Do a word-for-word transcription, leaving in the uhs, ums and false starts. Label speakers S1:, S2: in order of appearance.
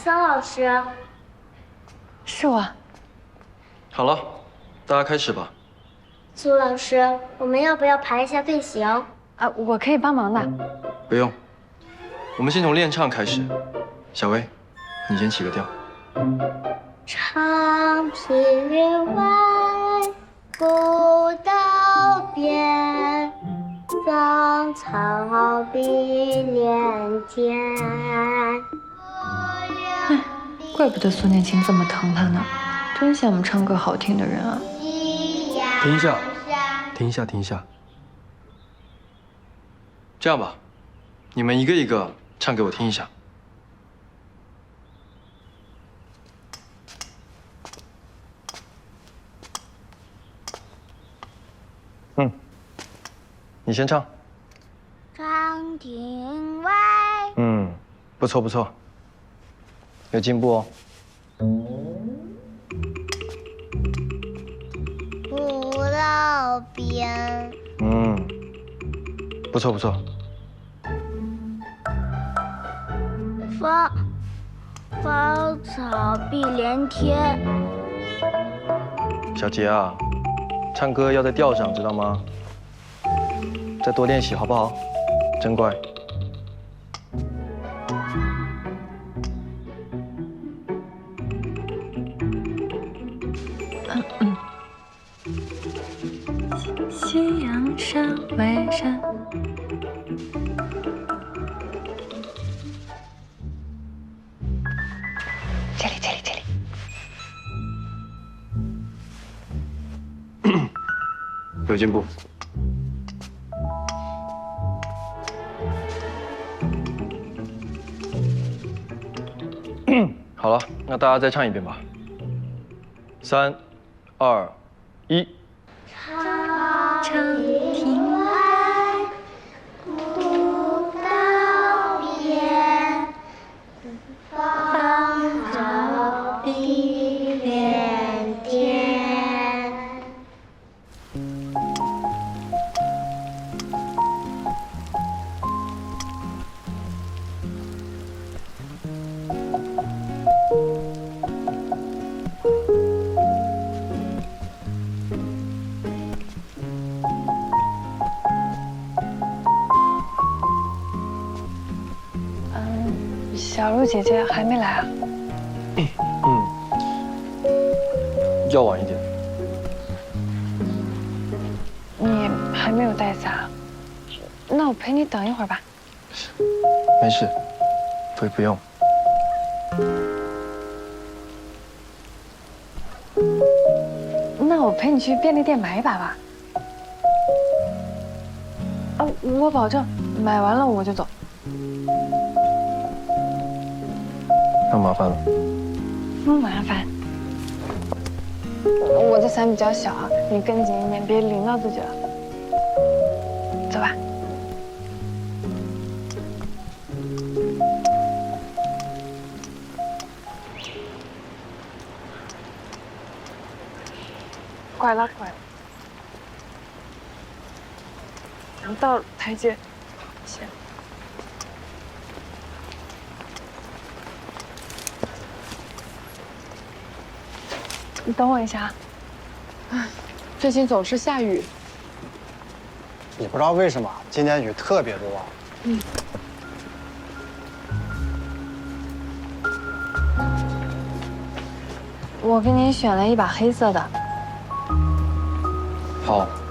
S1: 桑老师，
S2: 是我。
S3: 好了，大家开始吧。
S1: 苏老师，我们要不要排一下队形？
S2: 啊，我可以帮忙的。
S3: 不用，我们先从练唱开始。小薇，你先起个调。
S1: 长平云外，古道边，芳草碧连天。
S2: 哎，怪不得苏念青这么疼他呢，真羡慕唱歌好听的人啊。
S3: 停一下，停一下，停一下。这样吧，你们一个一个唱给我听一下。嗯，你先唱。
S1: 长亭外。
S3: 嗯，不错不错，有进步哦。
S1: 古道边。
S3: 嗯，不错不错。
S1: 芳芳草碧连天。
S3: 小杰啊，唱歌要在调上，知道吗？再多练习好不好？真乖。
S2: 夕阳山外山。这里，这里，这里。
S3: 有进步。好了，那大家再唱一遍吧。三、二、一。
S2: 长亭外，
S1: 古道边，芳草碧连天。
S2: 小鹿姐姐还没来啊？
S3: 嗯，要晚一点。
S2: 你还没有带伞？那我陪你等一会儿吧。
S3: 没事，不不用。
S2: 那我陪你去便利店买一把吧。啊，我保证买完了我就走。
S3: 那麻烦了。
S2: 不麻烦。我的伞比较小啊，你跟紧一点，别淋到自己了。走吧。拐了拐了。到台阶，先。你等我一下。唉，最近总是下雨。
S4: 你不知道为什么今年雨特别多。
S2: 嗯。我给你选了一把黑色的。
S3: 好。